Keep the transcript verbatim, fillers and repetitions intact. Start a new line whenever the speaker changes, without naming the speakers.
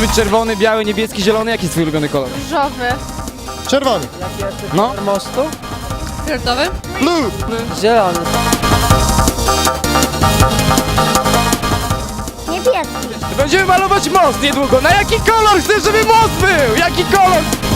żółty, czerwony, biały, niebieski, zielony. Jaki jest twój ulubiony kolor?
Różowy.
Czerwony.
No.
Mostu?
Fioletowy?
Blue.
Zielony.
Niebieski.
Będziemy malować most niedługo. Na jaki kolor chcesz, żeby most był? Jaki kolor?